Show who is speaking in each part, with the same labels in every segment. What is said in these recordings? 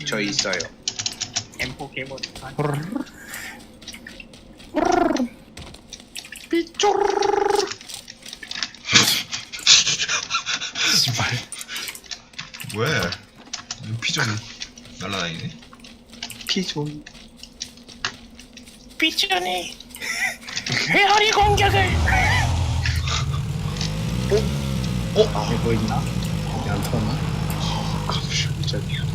Speaker 1: 저 있어요.
Speaker 2: M4 개mod.
Speaker 1: 삐쪼.
Speaker 3: 씨발. 뭐야? 피존 날라다니네.
Speaker 1: 피존.
Speaker 2: 삐쭈니 회오리 공격을.
Speaker 1: 아,
Speaker 4: 뭐 있나? 여기 안 털었나?
Speaker 1: 깜짝이야.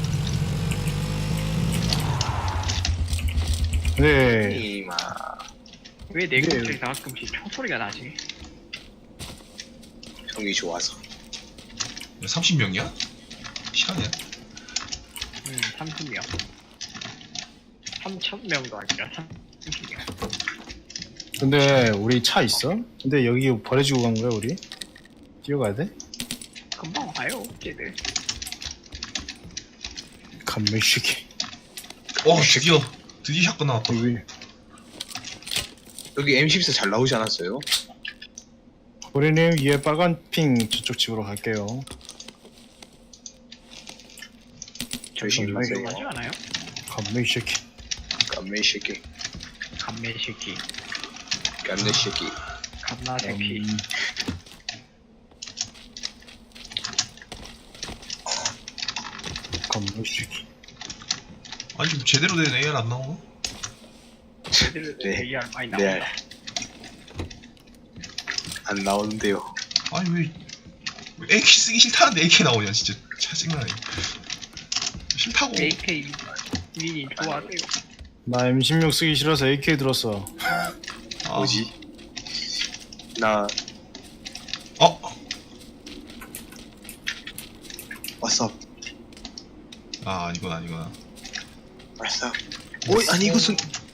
Speaker 4: 네.
Speaker 1: 이마.
Speaker 2: 왜 내 근처에 가끔씩 총소리가 나지?
Speaker 1: 형이 좋아서.
Speaker 3: 30명이야? 시간이야?
Speaker 2: 30명. 3,000명도 아니라 30명.
Speaker 4: 근데 우리 차 있어? 근데 여기 버려지고 간 거야 우리? 뛰어가야 돼?
Speaker 2: 금방 와요, 쟤들.
Speaker 4: 감매시기.
Speaker 3: 드디어 샷건 나왔다.
Speaker 4: 여기
Speaker 1: 여기 M14 잘 나오지 않았어요?
Speaker 4: 우리님 위에 빨간 핑 저쪽 집으로 갈게요.
Speaker 1: 조심히 가세요.
Speaker 2: 하지 않아요?
Speaker 4: 감매시기.
Speaker 1: 깜매새끼.
Speaker 2: 감매새끼.
Speaker 1: 깜매새끼.
Speaker 2: 감나새끼.
Speaker 4: 감매시기.
Speaker 3: 아니 좀 제대로 된 AR 안 나오나?
Speaker 2: 쟤들
Speaker 1: 네.
Speaker 2: AR 많이
Speaker 1: 네.
Speaker 2: 나온다.
Speaker 1: 안 나오는데요.
Speaker 3: 아니 왜 AK 쓰기 싫다는데 AK 나오냐 진짜 짜증나네. 싫다고.
Speaker 2: AK 위니 좋아하세요.
Speaker 4: 나 M16 쓰기 싫어서 AK 들었어.
Speaker 3: 아,
Speaker 1: 뭐지? 나 왔어.
Speaker 3: 아 이건 아니구나.
Speaker 1: 왔어. 오이 아니 이것은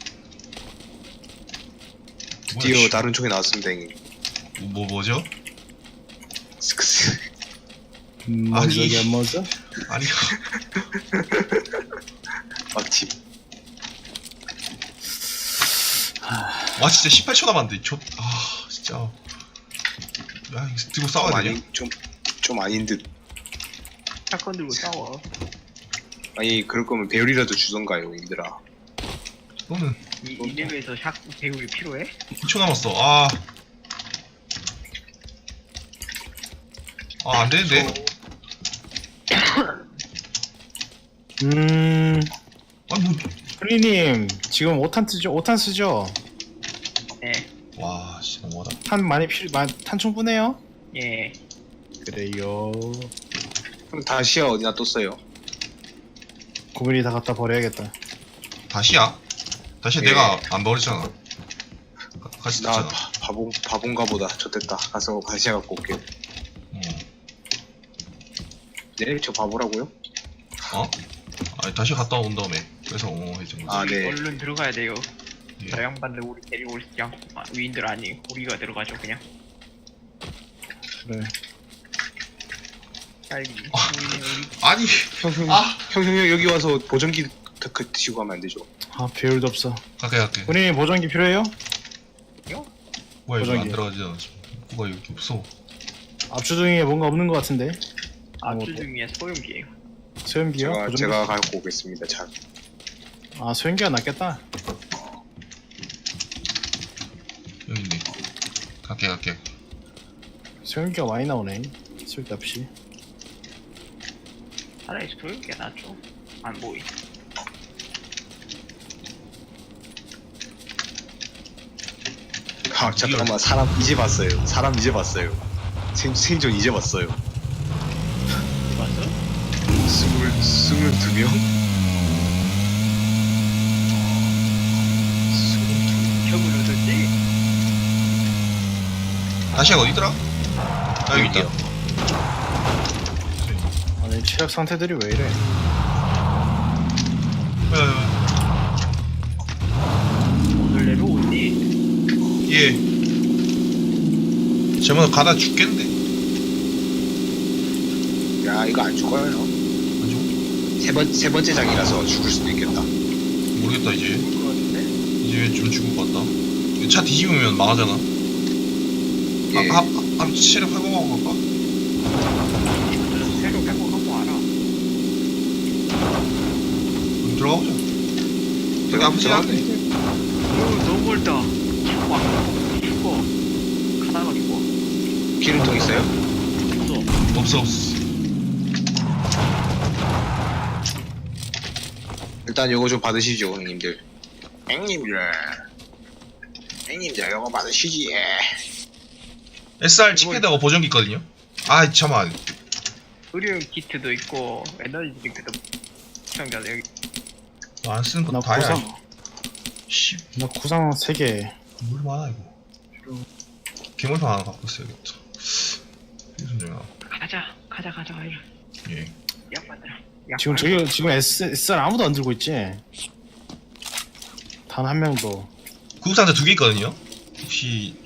Speaker 1: 드디어
Speaker 3: 뭐야,
Speaker 1: 다른 쪽에 나왔습니다. 형님.
Speaker 3: 뭐죠?
Speaker 1: 스크스.
Speaker 4: 뭐지 여기 안 먹었어?
Speaker 3: 아니
Speaker 1: 막집.
Speaker 3: 와 진짜 18초 남았는데 진짜 야 이거 들고 싸워야 되냐?
Speaker 1: 좀 아닌 듯.
Speaker 2: 샷건 들고 싸워.
Speaker 1: 아니 그럴 거면 배율이라도 주던가요, 님들아.
Speaker 3: 너는
Speaker 2: 이 레벨에서 샷 배율이 필요해?
Speaker 3: 2초 남았어. 안 되는데? 아니 뭐
Speaker 4: 프리님 지금 5탄 쓰죠? 5탄 쓰죠?
Speaker 2: 네.
Speaker 3: 와, 씨, 너무하다.
Speaker 4: 탄 많이 탄 충분해요?
Speaker 2: 예.
Speaker 4: 그래요.
Speaker 1: 그럼 다시야 어디 놔뒀어요?
Speaker 4: 고민이 다 갖다 버려야겠다.
Speaker 3: 다시야? 다시
Speaker 1: 예.
Speaker 3: 내가 안 버렸잖아. 같이
Speaker 1: 나
Speaker 3: 떴잖아.
Speaker 1: 바본가 보다. 좋됐다. 가서 다시야 갖고 올게요. 네? 저 바보라고요?
Speaker 3: 아니, 다시 갔다 온 다음에. 그래서, 해준 거지.
Speaker 1: 아, 네.
Speaker 2: 얼른 들어가야 돼요.
Speaker 3: 예.
Speaker 2: 저 양반들 우리 데리고 올 위인들 아니 우리가 들어가죠 그냥.
Speaker 4: 그래.
Speaker 2: 빨리.
Speaker 3: 아니,
Speaker 1: 형, 여기 와서 보정기 드시고 가면 안 되죠?
Speaker 4: 아 배율도 없어.
Speaker 3: 갈게.
Speaker 4: 프리님 보정기 필요해요?
Speaker 3: 뭐야, 이거 안
Speaker 4: 보정기.
Speaker 3: 들어가지잖아. 뭐가 여기 없어.
Speaker 4: 압수등에 뭔가 없는 것 같은데.
Speaker 2: 압수 중에 소용기예요.
Speaker 4: 소염기요? 보정기?
Speaker 1: 제가 갖고 오겠습니다. 자,
Speaker 4: 아 소염기가 낫겠다.
Speaker 3: 여기 있네. 갈게.
Speaker 4: 소염기가 많이 나오네. 쓸데없이.
Speaker 2: 차라리 소용기가 낫죠. 안 보이.
Speaker 1: 잠깐만. 사람 이제 봤어요. 생존 이제 봤어요.
Speaker 2: 봤어?
Speaker 1: 22명?
Speaker 2: 격을 얻었지?
Speaker 3: 다시야 어디더라? 여기 있다.
Speaker 4: 아니 체력 상태들이 왜 이래?
Speaker 2: 오늘 내로 오니?
Speaker 3: 예. 쟤만 가다 죽겠는데?
Speaker 1: 야, 이거 안 죽어요.
Speaker 3: 안
Speaker 1: 세 번째 장이라서 죽을 수도 있겠다.
Speaker 3: 모르겠다, 이제.
Speaker 2: 그거 같은데?
Speaker 3: 이제 좀 죽을 것 같다. 차 뒤집으면 망하잖아.
Speaker 1: 예.
Speaker 3: 체력 회복하고 갈까?
Speaker 2: 새로 회복하고 와라.
Speaker 3: 들어가 보자. 저기 아프지 않네.
Speaker 2: 너무 멀다. 자꾸 안 죽어. 가다가 죽어.
Speaker 1: 기름통 있어요?
Speaker 2: 없어.
Speaker 3: 없어.
Speaker 1: 일단 요거 좀 받으시죠, 형님들. 형님들 요거 받으시지.
Speaker 3: SR 칩패드하고 보정기 있거든요. 아 잠깐만.
Speaker 2: 의료용 키트도 있고 에너지 드링크도 시청자 여기
Speaker 3: 안 쓰는
Speaker 4: 나
Speaker 3: 거 다야.
Speaker 4: 구상
Speaker 3: 씨,
Speaker 4: 나 구상 3개.
Speaker 3: 물 많아 이거. 개물판 하나 갖고 있어야겠다. 무슨 중이야?
Speaker 2: 가자 이리.
Speaker 3: 예.
Speaker 2: 약 받으라.
Speaker 4: 지금 지금 SR 아무도 안 들고 있지? 단 한 명도.
Speaker 3: 구급상자 2개 있거든요. 혹시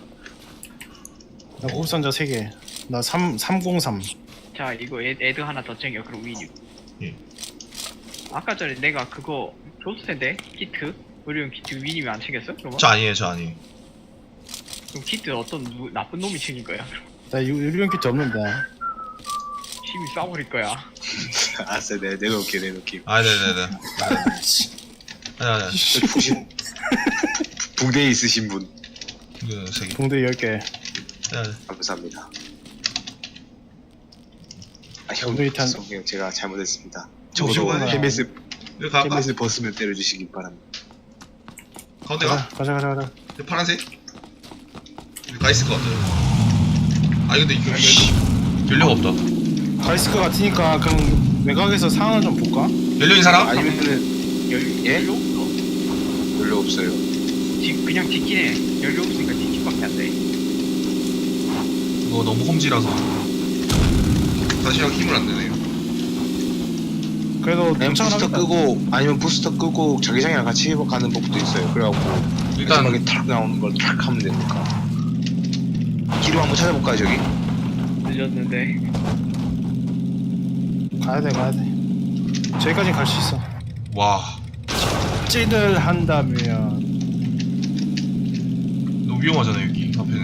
Speaker 4: 나 구급상자 3개. 나 303.
Speaker 2: 자 이거 애드 하나 더 챙겨. 그럼 위니.
Speaker 3: 예.
Speaker 2: 아까 전에 내가 그거 줬을 텐데 키트 의료용 키트 위님이 안 챙겼어? 그러면?
Speaker 3: 저 아니에요.
Speaker 2: 그럼 키트 어떤 나쁜 놈이 챙긴 거야?
Speaker 4: 나 유리용 키트 없는데.
Speaker 2: 심히 쏴버릴 거야.
Speaker 1: 알았어, 내놓을게.
Speaker 3: 아 네네네. 아니.
Speaker 1: 혹시 붕대에 있으신 분
Speaker 3: 이거 3개.
Speaker 4: 봉대 10개.
Speaker 3: 네.
Speaker 1: 감사합니다. 아,
Speaker 4: 오늘 일단-
Speaker 1: 형 제가 잘못했습니다.
Speaker 3: 오신
Speaker 1: 저도
Speaker 3: 거예요?
Speaker 1: 헬멧을
Speaker 3: 여기 갈까?
Speaker 1: 벗으면 때려주시기 바랍니다.
Speaker 3: 가운데 가.
Speaker 4: 가자.
Speaker 3: 이 파란색? 여기 가 있을 것 같아요. 아 근데 이거 연료가 없다.
Speaker 4: 가 있을 것 같으니까 그럼 외곽에서 상황을 좀 볼까?
Speaker 3: 연료 있는 사람?
Speaker 1: 아니면은 예?
Speaker 2: 연료 없어.
Speaker 1: 별로 없어요.
Speaker 2: 그냥 직진해. 연료 없으니까 직진밖에 안 돼.
Speaker 3: 이거 너무 홈지라서 다시랑 힘을 안 내네요.
Speaker 4: 그래도
Speaker 1: 그냥 부스터
Speaker 4: 괜찮아.
Speaker 1: 끄고 아니면 부스터 끄고 자기장이랑 같이 가는 법도 있어요. 그래갖고
Speaker 3: 일단
Speaker 1: 마지막에 탁 나오는 걸 탁 하면 되니까. 기름 한번 찾아볼까요, 저기?
Speaker 2: 늦었는데.
Speaker 4: 가야 돼. 저기까지 갈 수 있어.
Speaker 3: 와
Speaker 4: 찐을 한다면
Speaker 3: 너무 위험하잖아요 여기 앞에는.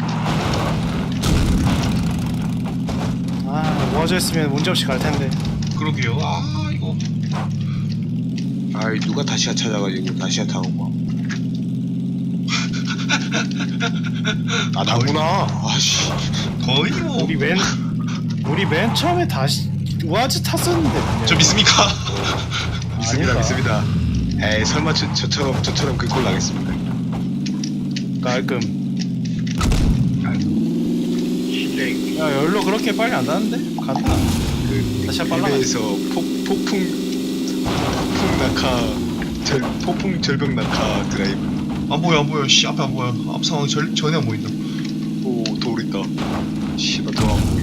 Speaker 4: 모아졌으면 문제없이 갈 텐데.
Speaker 3: 그러게요. 아 이거
Speaker 1: 아이 누가 다시야 찾아가지고 다시야 타고 막. 아 나구나. 아씨.
Speaker 3: 거의 뭐.
Speaker 4: 우리 맨 처음에 다시 우아즈 탔었는데. 분명히.
Speaker 3: 저 믿습니까?
Speaker 1: 믿습니다. 에이 설마 저처럼 그 꼴 나겠습니까?
Speaker 4: 깔끔.
Speaker 2: 실내
Speaker 4: 야 열로 그렇게 빨리 안 나는데? 간다. 다시 빨라.
Speaker 1: 해외에서 폭풍 절벽 낙하 드라이브.
Speaker 3: 안 보여. 씨 앞에 안 보여. 앞 상황이 전혀 안 보인다.
Speaker 1: 오 돌 있다. 씨발 돌아안 보이.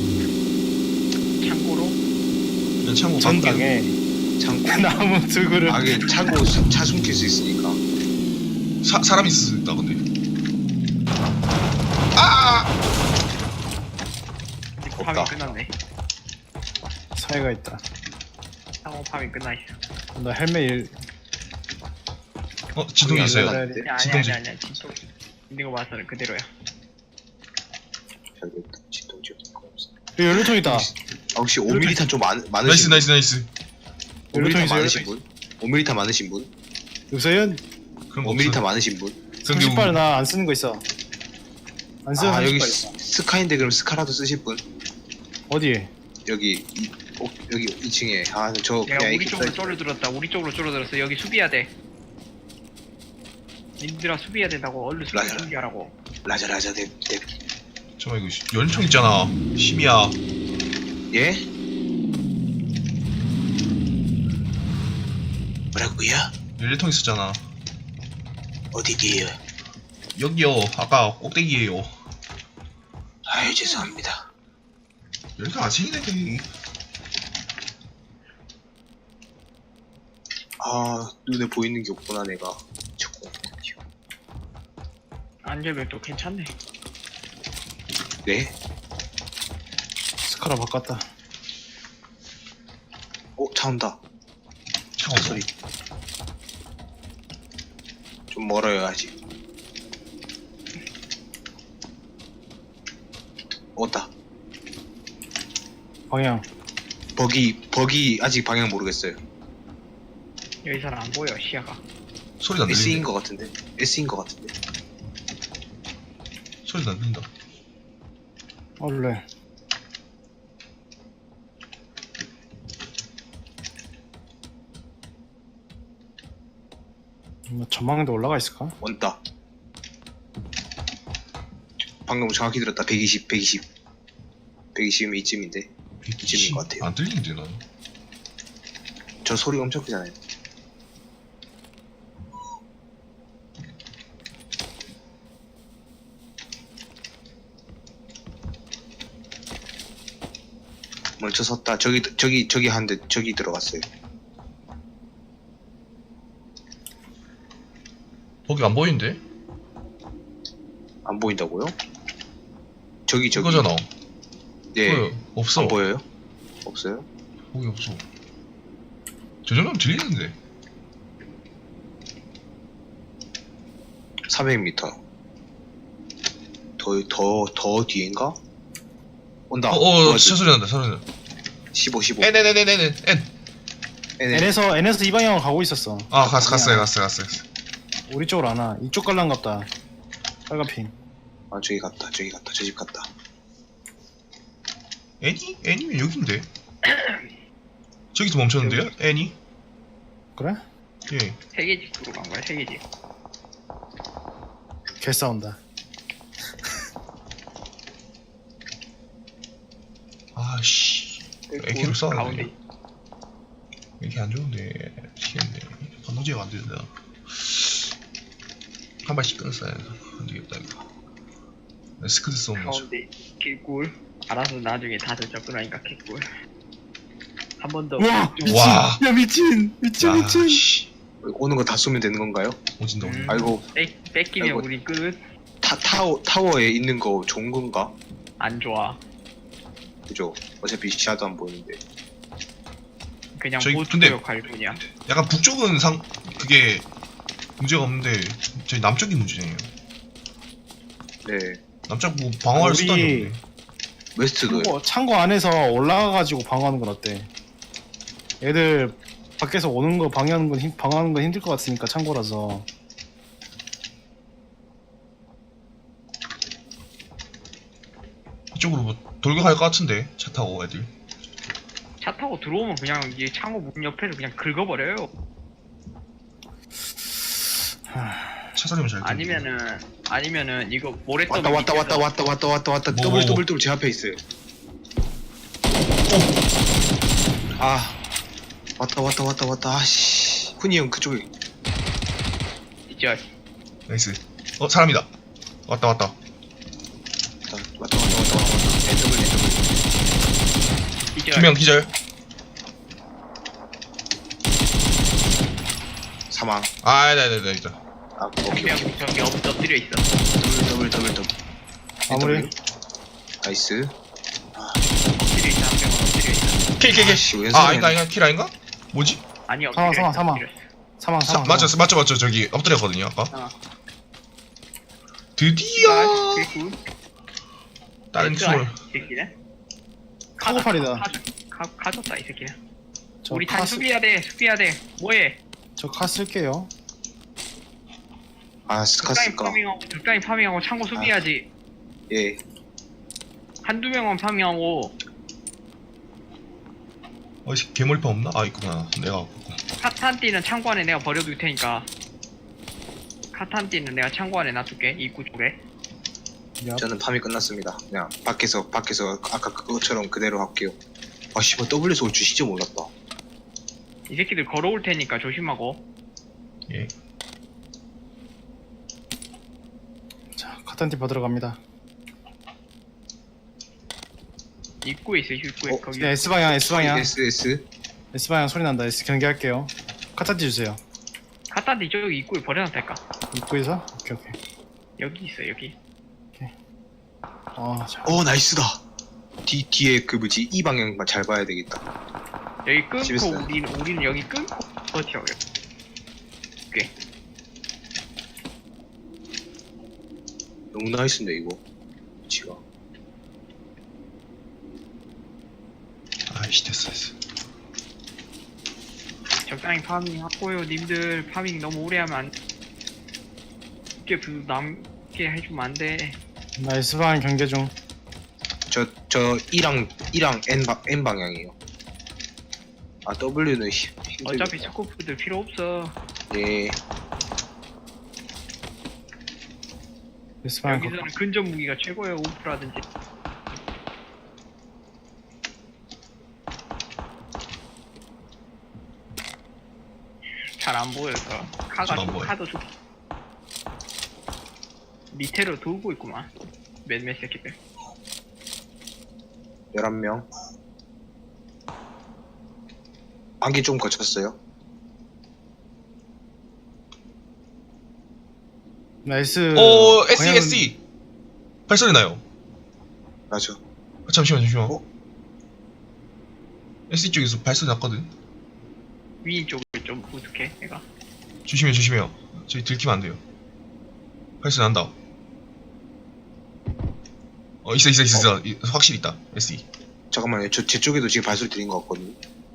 Speaker 2: 창고로
Speaker 3: 그냥 창고
Speaker 4: 전당에
Speaker 1: 창고.
Speaker 4: 나무 두그릇.
Speaker 1: 아 이게 창고 차 숨길 수 있으니까.
Speaker 3: 사람 있을 수 있다 근데. 아!
Speaker 2: 이제
Speaker 1: 없다.
Speaker 2: 파밍 끝났네.
Speaker 4: 사이가 있다.
Speaker 2: 상호 파밍 끝나 있어.
Speaker 4: 나 헬멧
Speaker 3: 진동이 있어요.
Speaker 1: 안
Speaker 2: 아니야
Speaker 3: 진동지.
Speaker 2: 아니야 진동. 있는 거 봐서는 그대로야.
Speaker 1: 별로 진동지 없는 거 없어.
Speaker 4: 여기 연료통 있다.
Speaker 1: 아, 혹시 5mm탄 좀
Speaker 3: 나이스
Speaker 1: 많으신
Speaker 3: 나이스.
Speaker 1: 5mm
Speaker 4: 있어요,
Speaker 1: 많으신 분? 5mm 많으신 분?
Speaker 4: 요새는
Speaker 3: 그런 거
Speaker 1: 5mm
Speaker 3: 없어.
Speaker 1: 많으신 분?
Speaker 4: 30발 나 안 쓰는 거 있어. 안 쓰는
Speaker 1: 아
Speaker 4: 30발
Speaker 1: 여기
Speaker 4: 있어.
Speaker 1: 스카인데 그럼 스카라도 쓰실 분?
Speaker 4: 어디에?
Speaker 1: 여기 여기 2층에 저
Speaker 2: 내가
Speaker 1: 그냥
Speaker 2: 우리 쪽으로
Speaker 1: 이렇게
Speaker 2: 쫄려들었다. 우리 쪽으로 쫄려들었어. 여기 수비해야 돼. 님들아 수비해야 된다고. 얼른 수비
Speaker 1: 라자.
Speaker 2: 준비하라고.
Speaker 1: 라자
Speaker 3: 잠깐만 이거 연총 있잖아. 심이야.
Speaker 1: 예? 뭐라고요?
Speaker 3: 연료통 있었잖아.
Speaker 1: 어디게요?
Speaker 3: 여기요. 아까 꼭대기에요.
Speaker 1: 아유 죄송합니다.
Speaker 3: 연료통 안 챙기네.
Speaker 1: 아 눈에 보이는 게 없구나 내가. 자꾸.
Speaker 2: 안전벨도 괜찮네.
Speaker 1: 네?
Speaker 4: 스카라 바꿨다.
Speaker 1: 차 온다.
Speaker 3: 차 없어.
Speaker 1: 소리. 좀 멀어요 아직. 왔다.
Speaker 4: 방향.
Speaker 1: 버기 아직 방향 모르겠어요.
Speaker 2: 여기서는 안 보여 시야가.
Speaker 3: 소리도 안
Speaker 1: S인
Speaker 3: 들리는데.
Speaker 1: 거 같은데. S인 거 같은데.
Speaker 3: 소리도 안 들린다.
Speaker 4: 원래 뭐 전망에도 올라가 있을까?
Speaker 1: 원다. 방금 정확히 들었다. 120, 120. 120이면 이쯤인데. 이쯤인 것 같아요.
Speaker 3: 안 들리는데 난.
Speaker 1: 저 소리 엄청 크잖아요. 멈춰 섰다. 저기 한 대, 저기 들어갔어요.
Speaker 3: 거기 안 보이는데?
Speaker 1: 안 보인다고요? 저기.
Speaker 3: 이거잖아.
Speaker 1: 예.
Speaker 3: 보여. 없어.
Speaker 1: 안 보여요? 없어요?
Speaker 3: 거기 없어. 저 정도면 들리는데.
Speaker 1: 400m. 더 뒤인가? 온다.
Speaker 3: 진짜 소리 난다, 소리 난다.
Speaker 1: 15.
Speaker 3: N.
Speaker 4: N에서 이 방향으로 가고 있었어.
Speaker 3: 아, 갔어요.
Speaker 4: 우리 쪽으로 안 와. 이쪽 갈란갑다. 빨간 핑.
Speaker 1: 아, 저기 갔다. 저 집 갔다.
Speaker 3: N이면 여긴데? 저기서 멈췄는데요? N이?
Speaker 4: 그래?
Speaker 3: 예.
Speaker 2: 세계지 쪽으로 간 거야 세계지.
Speaker 4: 개 싸운다.
Speaker 3: 아씨. AK로 싸우네.
Speaker 2: 가운데.
Speaker 3: 이렇게 안 좋은데. 미치겠네. 건너지가 안 된다. 한 발씩 끊었어야 안 되겠다, 이거. 스크드 쏘면 맞아.
Speaker 2: 가운데 개꿀. 알아서 나중에 다들 접근하니까 개꿀. 한 번 더.
Speaker 4: 와 미친.
Speaker 3: 와.
Speaker 4: 야 미친.
Speaker 3: 야, 씨.
Speaker 1: 오는 거 다 쏘면 되는 건가요?
Speaker 3: 오진다.
Speaker 1: 아이고.
Speaker 2: 뺏기면
Speaker 1: 아이고.
Speaker 2: 우리 끝.
Speaker 1: 타워에 있는 거 좋은 건가?
Speaker 2: 안 좋아.
Speaker 1: 그죠? 어차피 시야도 안 보이는데.
Speaker 2: 그냥
Speaker 3: 저기
Speaker 2: 보트
Speaker 3: 근데-
Speaker 2: 역할 뿐이야.
Speaker 3: 약간 북쪽은 그게 문제가 없는데 저희 남쪽이 문제네요.
Speaker 1: 네.
Speaker 3: 남쪽 뭐 방어할
Speaker 4: 우리-
Speaker 3: 수단이 없네.
Speaker 1: 웨스트도.
Speaker 4: 창고 안에서 올라가가지고 방어하는 건 어때? 애들 밖에서 오는 거 방어하는 건 힘들 것 같으니까 창고라서.
Speaker 3: 이쪽으로 뭐 돌격할 것 같은데 차 타고 애들.
Speaker 2: 차 타고 들어오면 그냥 이 창호 문 옆에서 그냥 긁어버려요.
Speaker 3: 차 살리면 잘.
Speaker 2: 아니면은 이거 모래떡
Speaker 1: 왔다.
Speaker 3: 뭐.
Speaker 1: 더블 제 앞에 있어요. 아. 왔다. 아씨. 훈이 형 그쪽에.
Speaker 2: 있죠.
Speaker 3: 나이스. 사람이다. 왔다.
Speaker 1: 왔다. 더블.
Speaker 2: 있죠.
Speaker 3: 2명 기절.
Speaker 1: 사망.
Speaker 3: 네.
Speaker 1: 아, 오케이.
Speaker 2: 한명 저기 엎드려 있어.
Speaker 1: 더블.
Speaker 4: 마무리.
Speaker 1: 나이스.
Speaker 2: 엎드려 있어. 한 명은 엎드려 있어.
Speaker 3: 킬.
Speaker 1: 아씨, 왜
Speaker 3: 아닌가? 킬 아닌가? 뭐지?
Speaker 2: 아니 엎드려 있어.
Speaker 4: 사망.
Speaker 2: 엎드려 있어.
Speaker 4: 사망.
Speaker 3: 맞죠. 저기 엎드렸거든요 아까.
Speaker 2: 아.
Speaker 3: 드디어
Speaker 2: 개꿀.
Speaker 3: 다른 팀을.
Speaker 2: 이 새끼네.
Speaker 4: 카고팔이다.
Speaker 2: 가졌다 이 새끼네.
Speaker 4: 저
Speaker 2: 우리
Speaker 4: 카
Speaker 2: 다 수비해야 돼. 뭐해?
Speaker 4: 저 카 쓸게요.
Speaker 1: 아, 스카스까.
Speaker 2: 적당히 파밍하고 창고 수비해야지.
Speaker 1: 예.
Speaker 2: 한두 명만 파밍하고
Speaker 3: 괴물파 없나? 아 있구나. 내가 갖고.
Speaker 2: 카탄띠는 창고 안에 내가 버려둘 테니까. 카탄띠는 내가 창고 안에 놔둘게. 입구 쪽에.
Speaker 1: 저는 밤이 끝났습니다. 그냥 밖에서 아까 그것처럼 그대로 할게요. 아, 씨발, W에서 올 줄 진짜 몰랐다.
Speaker 2: 이 새끼들 걸어올 테니까 조심하고.
Speaker 3: 예.
Speaker 4: 자 카탄티 받으러 갑니다.
Speaker 2: 입구에 있어. 입구에 거기.
Speaker 4: 네, S 방향.
Speaker 1: S.
Speaker 4: S 방향 소리 난다. S 경계할게요. 카탄티 주세요.
Speaker 2: 카탄띠 저기 입구에 버려놨달까.
Speaker 4: 입구에서? 오케이.
Speaker 2: 여기 있어 여기.
Speaker 4: 자.
Speaker 1: 나이스다. 뒤에 그 뭐지? 이 방향만 잘 봐야 되겠다.
Speaker 2: 여기 끊고
Speaker 1: 집에서.
Speaker 2: 우리는 여기 끊고 버텨요. 오케이.
Speaker 1: 너무 나이스인데 이거. 위치가.
Speaker 3: 아이씨 됐어.
Speaker 2: 적당히 파밍 하고요. 님들 파밍 너무 오래 하면 안 돼. 남게 해주면 안 돼.
Speaker 4: 나 S방 경계 중.
Speaker 1: 저 E랑 N 방향이에요. 아 W는 힘들겠다.
Speaker 2: 어차피 스코프들 필요 없어.
Speaker 1: 예.
Speaker 4: S방
Speaker 2: 여기서는 근접 무기가 최고예요. 오프라든지. 잘 안 보여서
Speaker 3: 잘안 보여.
Speaker 2: 카도 좋. 밑으로 돌고 있구만. 몇몇 새끼들.
Speaker 1: 11명. 안개 좀 거쳤어요.
Speaker 4: 나 S.
Speaker 3: 오 SE
Speaker 4: 방향은-
Speaker 3: SE 발소리 나요.
Speaker 1: 맞아.
Speaker 3: 아, 잠시만.
Speaker 1: 어?
Speaker 3: SE 쪽에서 발소리 났거든.
Speaker 2: 위인 쪽을 좀 부족해. 내가.
Speaker 3: 조심해요. 저희 들키면 안 돼요. 발소리 난다. 있어. 확실히 있다. SE.
Speaker 1: 잠깐만요. 제 쪽에도 지금 발소리 들린 것 같거든요.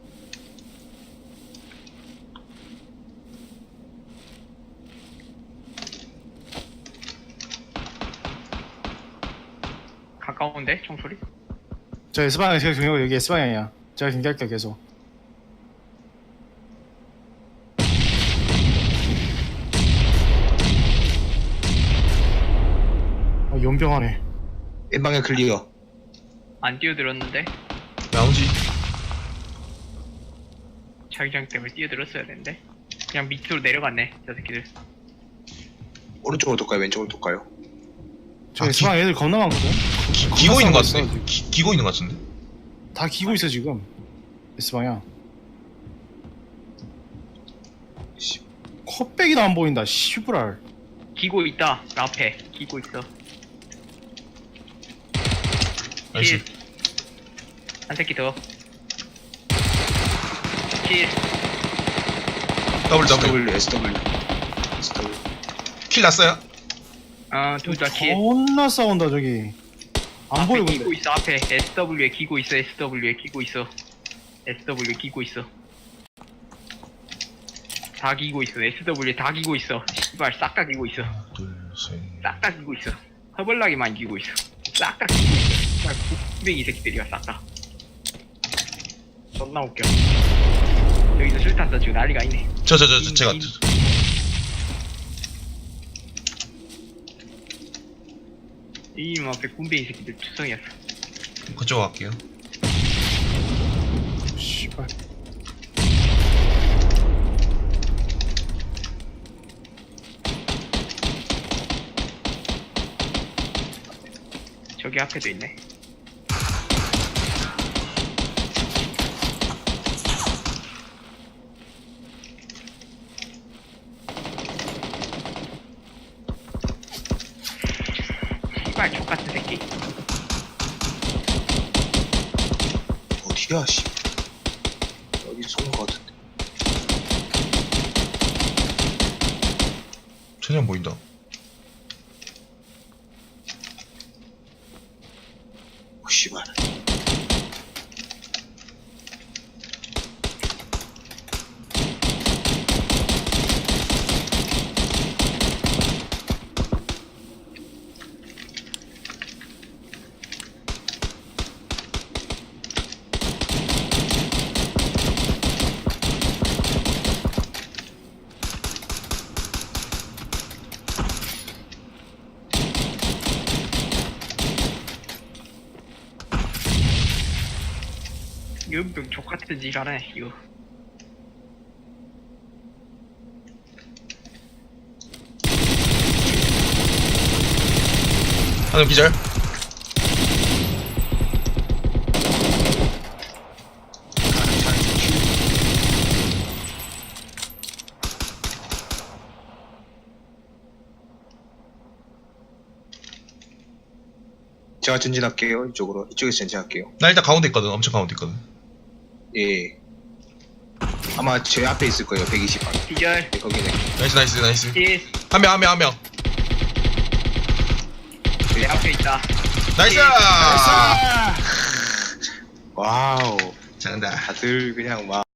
Speaker 2: 가까운데 총소리?
Speaker 4: 저 S방에 제가 경계고 여기 S방향이야. 제가 경계할게요 계속. 연병하네.
Speaker 1: N 방향 클리어.
Speaker 2: 안 뛰어들었는데
Speaker 3: 나오지.
Speaker 2: 자기장 때문에 뛰어들었어야 되는데 그냥 밑으로 내려갔네 저 새끼들.
Speaker 1: 오른쪽으로 돌까요? 왼쪽으로 돌까요?
Speaker 4: 저
Speaker 3: 아,
Speaker 4: S방 애들 겁나 많거든.
Speaker 3: 기고 있는 것
Speaker 4: 있어,
Speaker 3: 같은데. 기고 있는 것 같은데.
Speaker 4: 다 기고 있어 지금. S방향.
Speaker 1: 씨,
Speaker 4: 컵백이도 안 보인다. 시부랄.
Speaker 2: 기고 있다. 그 앞에 기고 있어.
Speaker 3: 나이스.
Speaker 2: 한 새끼 더. 킬.
Speaker 3: W.
Speaker 1: SW.
Speaker 3: 킬 났어요?
Speaker 2: 둘 다 킬.
Speaker 4: 겁나 싸운다 저기. 안 보여
Speaker 2: 앞에
Speaker 4: 근데.
Speaker 2: 기고 있어. 앞에 SW에 기고 있어. SW에 기고 있어. SW에 기고 있어. 다 기고 있어. SW에 다 기고 있어. 씨발 싹 다 기고 있어.
Speaker 3: 하나, 둘, 셋.
Speaker 2: 싹 다 기고 있어. 허벌나게만 기고 있어. 싹 다 기고 있어. 씨발 국뱅이 새끼들이야 싹 다. 존나 웃겨. 여기서 술탄 써지고 난리가 있네.
Speaker 3: 제가
Speaker 2: 이님 앞에 군뱅이 새끼들 투성이었어.
Speaker 3: 그쪽 갈게요.
Speaker 4: 씨발.
Speaker 2: 저기 앞에도 있네. 씨발 족같은 새끼.
Speaker 1: 어디야, 씨. 여기 쏜 것 같은데.
Speaker 3: 전혀 안 보인다.
Speaker 1: 씨발.
Speaker 2: 연병 족같은 짓 하네 이거.
Speaker 3: 하나 기절.
Speaker 1: 제가 전진할게요. 이쪽으로. 이쪽에서 전진할게요.
Speaker 3: 나 일단 가운데 있거든. 엄청 가운데 있거든.
Speaker 1: 예. 아마 제 앞에 있을 거예요. 120방.
Speaker 2: 기절.
Speaker 1: 네, 거기네.
Speaker 3: 나이스.
Speaker 2: 킬.
Speaker 3: 한 명.
Speaker 2: 내 앞에 있다.
Speaker 3: 나이스!
Speaker 1: 와우.
Speaker 3: 잘한다.
Speaker 1: 다들 그냥 막